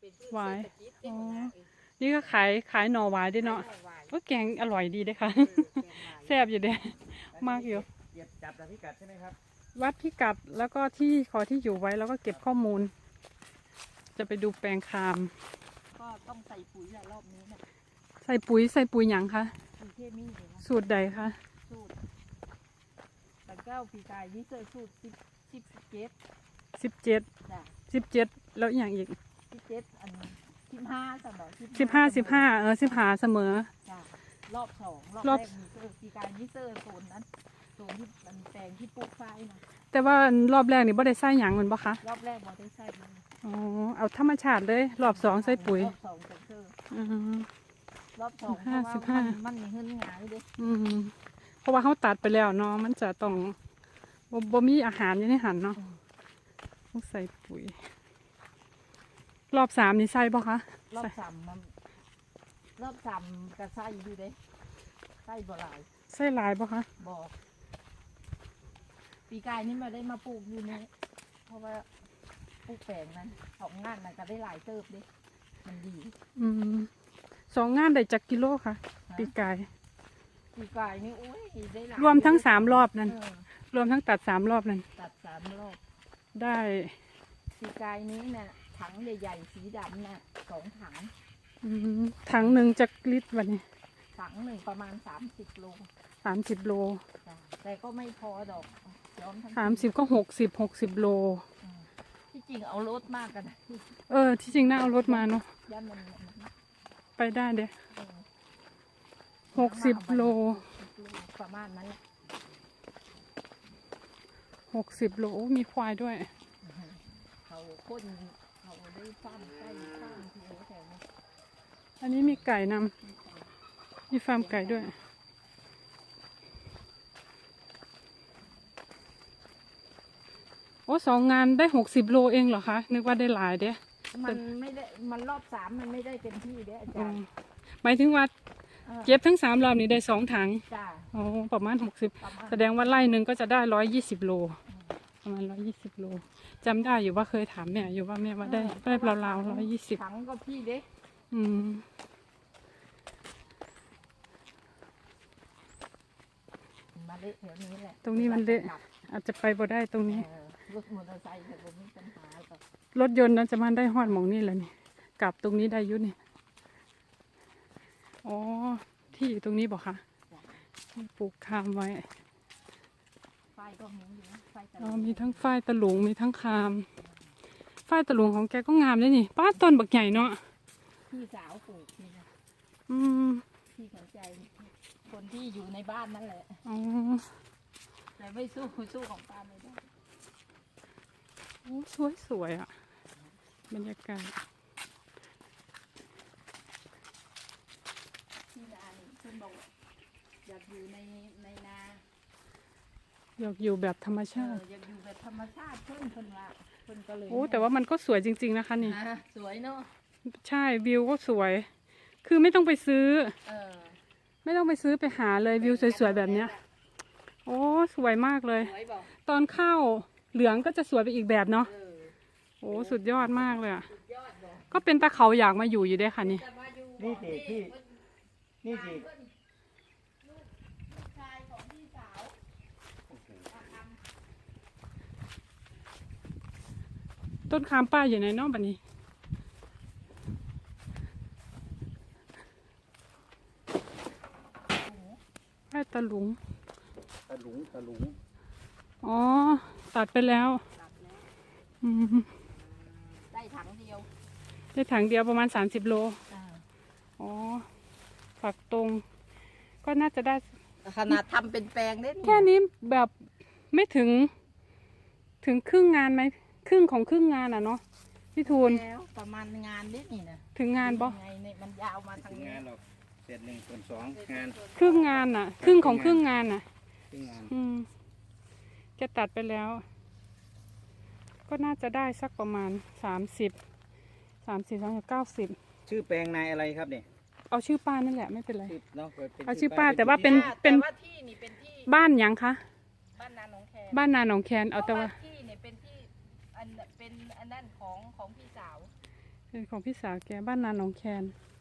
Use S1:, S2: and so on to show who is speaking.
S1: หวายอ๋อนี่ก็ขายหน่อหวายด้วยเนาะก็แกงอร่อยดีด้วยค่ะแซ่บอยู่เด้มากอยู่
S2: เก็บจับพิกัดใช่ไหมครับ
S1: วัดพิกัดแล้วก็ที่ขอที่อยู่ไว้แล้วก็เก็บข้อมูล จะไปดูแปลงคาม
S3: ก็ต้องใส่ปุ๋ยแหละรอบนี้นะ
S1: ใส่ปุ๋ยหยังคะ
S3: ปุ๋ยเคมีเลยนะ
S1: สูตรใดคะ
S3: สูตรแต่เก้าปีกายนี่เจอสูตร17จ้ะ
S1: 17แล้วอย่างอีก
S3: 17อัน15สำหรับ
S1: 15เสมอ
S3: จ้ะรอบ2รอบแรกมีเจอปีกายนี่เจอโซนนั้นโซนที่มันแปลงที่ปลูกฝ้ายนะ
S1: แต่ว่ารอบแรกนี่บ่ได้ใส่หยังมันบ่คะ
S3: รอบแรกบ่ได้ใส่เลย
S1: อ๋อเอาธรรมชาติเลยรอบ2ใส่ปุ๋ย
S3: รอบ2จะเจอรอบ2เพราะว่ามันมีเงินหงายดิ
S1: เพราะว่าเขาตัดไปแล้วเนาะมันจะต้องบ่มีอาหารอยู่ในหันเนาะต้องใส่ปุ๋ยรอบ3นี่ใส่บ่คะ
S3: รอบ3มันรอบ3ก็ใส่อยู่เด้ใส่บ่หลาย
S1: ใส่หลายบ่คะ
S3: บ่ปีกายนี่มาได้มาปลูกอยู่นี่เพราะว่าปลูกแปลงนั้น2งานมันก็ได้หลายเติบดิมันดี
S1: 2 งานได้จักกิโลค่ะปีกาย
S3: นี่โอ้ยได้หลาย
S1: รวมทั้ง3 รอบนั่นรวมทั้งตัด3 รอบนั่น
S3: ตัด3 รอบ
S1: ได้
S3: ปีกายนี้เนี่ยถังใหญ่ๆสีดำเนี่ย2 ถัง
S1: ถังหนึ่งจักลิตรวันนี้
S3: ถังหนึ่งประมาณ30 โล
S1: 30 โล
S3: แต่ก็ไม่พอดอกย้อมทั้ง
S1: 30ก็60 โล
S3: ที่จริงเอารถมากกัน
S1: ที่จริงน่าเอารถมาเนาะ
S3: ย่านมัน
S1: ไปได้เด้60 โล
S3: ประมาณนั้นแหละ
S1: 60 โลมีควายด้วย
S3: เขาพ่นเขาได้ฟ้าร์มไก่ฟ้าร์มที่แถวนี้
S1: อันนี้มีไก่นำมีฟาร์มไก่ด้วยโอ้2 งานได้60 โลเองเหรอคะนึกว่าได้หลายเด้
S3: มันไม่ได้มันรอบ3มันไม่ได้เต็มที่เด้อาจารย์
S1: หมายถึงว่าเก็บทั้ง3 รอบนี้ได้2 ถังอ๋อประมาณ60แสดงว่าไร่หนึ่งก็จะได้120 โลประมาณ120 โลจำได้อยู่ว่าเคยถามแม่อยู่ว่าแม่ว่าได้ราว120
S3: ถังก็พี่เด้มาเละแถวนี้แหละ
S1: ตรงนี้มันเละอาจจะไปบ่ได้ตรงนี้
S3: รถมอเตอร์ไซค์แต่ผมมีปัญหากับ
S1: รถยนต์นั้นจะมาได้ฮอดหมองนี่แหละนี่กลับตรงนี้ได้ยุนี่อ๋อที่อยู่ตรงนี้บอกค่ะปลูกคามไว้
S3: ฝ้ายก็มีอยู่นะฝ้ายตะ
S1: ลุงมีทั้งฝ้ายตะลุงมีทั้งคามฝ้ายตะลุงของแกก็งามเลยนี่ป้าต้นบักใหญ่เนาะ
S3: พี่สาวปลูกนี่นะพี่สนใจคนที่อยู่ในบ้านนั่นแหละแต่ไม่สู้ของป้าไม่ได้
S1: โอ้สวยอ่ะบรรยากาศ
S3: ที่นาคุณบอกอยากอยู่ในนา
S1: อยากอยู่แบบธรรมชาติ
S3: อยากอยู่แบบธรรมชาติเพิ่นละเพิ่นก็เลย
S1: โอ้แต่ว่ามันก็สวยจริงๆนะคะนี่
S3: สวยเนาะ
S1: ใช่วิวก็สวยคือไม่ต้องไปซื้อไม่ต้องไปซื้อไปหาเลยวิวสวยๆแบบเนี้ยโอ้สวยมากเลยตอนเข้าเหลืองก็จะสวยไปอีกแบบเนาะโอ้สุดยอดมากเลยอ่ะก็เป็นตาเขาอยากมาอยู่ด้วยค่ะนี่
S2: นี่สิ
S1: ต้นคามป้าอยู่ในน้องบันนี้ป้ายตะลุงอ๋อตัดไปแล้ว
S3: ได้ถังเดี
S1: ยวประมาณ30 โลอ๋อฝักตรงก็น่าจะได้
S3: ขนาดทำเป็นแปลงได้
S1: แค่นี้แบบไม่ถึงครึ่งงานไหมครึ่งของครึ่งงานอ่ะเนาะพี่ทูล
S3: แล้วประมาณงานนิดนี่นะ
S1: ถึงงานบ่
S3: ไงเนี่ยมันยาวมาทาง
S2: งานหรอกเสร็จ1/2งาน
S1: ครึ่งงานอ่ะครึ่งของครึ่งงานอ่ะจะตัดไปแล้วก็น่าจะได้สักประมาณ90
S2: ชื่อแปลงนายอะไรครับเนี่ย
S1: เอาชื่อป้านั่นแหละไม่เป็นไรเอาชื่อ
S3: ป้า
S1: แต่ว่าเป็น
S3: ที่นี่เป็นที่
S1: บ้านยังคะ
S3: บ้านนาหนองแคน
S1: เอาแต่ว่า
S3: ที่เนี่ยเป็นที่เป็นอันนั้นของพี่สาว
S1: เป็นของพี่สาวแกบ้านนาหนองแคน